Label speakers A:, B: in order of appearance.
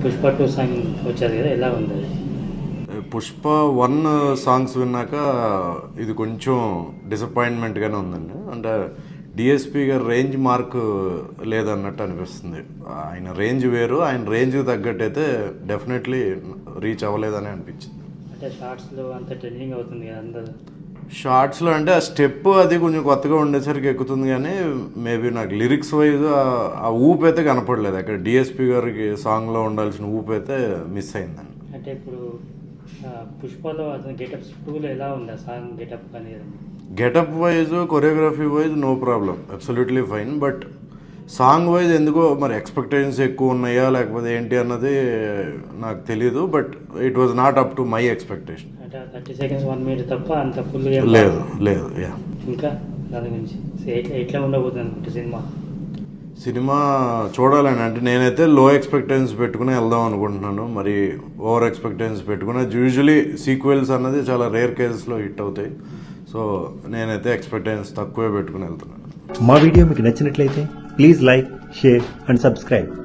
A: Pushpa 2 song వచ్చేది కదా, ఎలా ఉంది అది?
B: పుష్ప 1 సాంగ్స్ విన్నాక ఇది కొంచెం డిసప్పాయింట్మెంట్గానే ఉందండి. అంటే డిఎస్పి గారి రేంజ్ మార్క్ లేదన్నట్టు అనిపిస్తుంది. ఆయన రేంజ్ వేరు, ఆయన రేంజ్కి తగ్గట్టు అయితే డెఫినెట్లీ రీచ్ అవ్వలేదని అనిపించింది.
A: అంటే షార్ట్స్లో అంత ట్రెండింగ్ అవుతుంది కదా అందరూ.
B: షార్ట్స్లో అంటే ఆ స్టెప్ అది కొంచెం కొత్తగా ఉండేసరికి ఎక్కుతుంది, కానీ మేబీ నాకు లిరిక్స్ వైజ్ ఆ ఊపు అయితే కనపడలేదు. అక్కడ డిఎస్పి గారికి సాంగ్లో ఉండాల్సిన ఊపు అయితే మిస్ అయిందండి.
A: అంటే ఇప్పుడు పుష్పలో అతని గెటప్స్ 2లో ఎలా ఉంది ఆ సాంగ్ గెటప్ అనేది?
B: Getup wise, choreography wise no problem, absolutely fine. But song wise ఎందుకో మరి ఎక్స్పెక్టేషన్స్ ఎక్కువ ఉన్నాయా లేకపోతే ఏంటి అన్నది నాకు తెలీదు. But it was not up to my expectation.
A: అంటే 30 seconds 1 minute తప్ప అంత ఫుల్
B: లేదు లేదు. యా,
A: ఇంకా దాని గురించి ఎట్లా ఉండబోతుంది అనుకుంటే సినిమా
B: చూడాలని అంటే నేనైతే లో ఎక్స్పెక్టేషన్స్ పెట్టుకుని వెళ్దాం అనుకుంటున్నాను. మరి ఓవర్ ఎక్స్పెక్టేషన్స్ పెట్టుకుని యూజువలీ సీక్వెల్స్ అన్నది చాలా రేర్ కేసెస్లో హిట్ అవుతాయి. సో నేనైతే ఎక్స్పెక్టేషన్స్ తక్కువే పెట్టుకుని వెళ్తున్నాను.
C: మా వీడియో మీకు నచ్చినట్లయితే please like, share and subscribe.